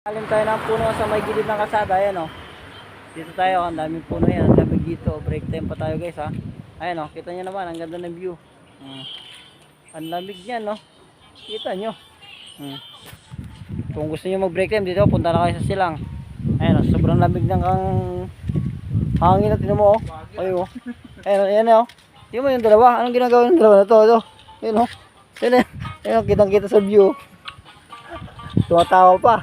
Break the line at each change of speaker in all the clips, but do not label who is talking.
Alim tayo ng puno sa may gilid ng kalsada, ayan o. Dito tayo, ang daming puno yan, ang daming dito. Break time pa tayo guys ha. Ayan o, kita nyo naman, ang ganda ng view. Ang lamig niyan no. Kita nyo. Kung gusto nyo mag break time dito, punta na kayo sa silang. Ayan o, sobrang lamig ng hangin na tinan mo o. Ayo o. Ayan o. Tingnan mo yung dalawa, anong ginagawa yung dalawa na to? Ito. Ayan o. Ayan o, kitang kita sa view. Tumatawa pa.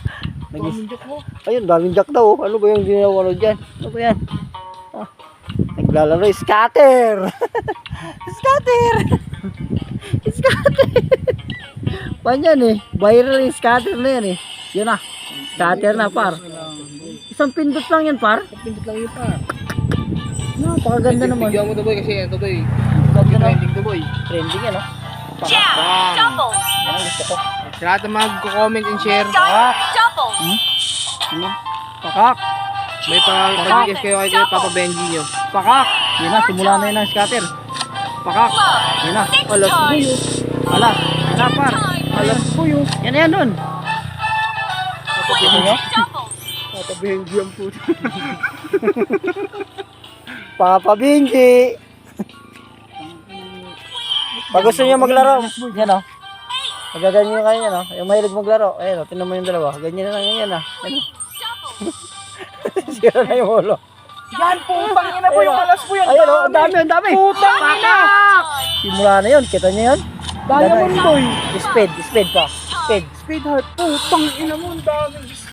Ayun, daming jack daw. Ano ba yung ginawa dyan? Ano ba yan? Naglalaro, scatter! Scatter! Scatter! Pan yan eh. Viral yung scatter na yan eh. Yun na. Scatter na par. Isang pindot lang yan par.
Isang pindot lang yun par.
Napakaganda naman.
Bigyan mo to boy kasi ito boy.
Trending
to boy.
Trending yan oh.
Jam! Double!
Yan ang gusto ko.
Sa lahat ng mag-comment and share.
Double!
Ano? Pakak!
May pa-podcast kayo kay Papa Benji nyo.
Pakak! Yan na, simula na yun ang scatter. Pakak! Yan na. Alas buyo. Alas. Napar. Alas buyo. Yan na yan nun. Papa nyo?
Papa Benji ang puto.
Papa Benji! Pag gusto nyo maglaro, yan o. Magaganyan kayo yan o. Yung mahilig maglaro. Ayan o, tinan mo yung dalawa. Ganyan na lang yan o. Ayan o. Sira na yung ulo.
Yan, putang ina po yung alas po yan.
Ayan o, ang dami, ang dami.
Putang ina!
Simula na yun, kita nyo yun?
Diamond boy.
Speed pa. Speed.
Speed heart. Putang ina mo, ang dami.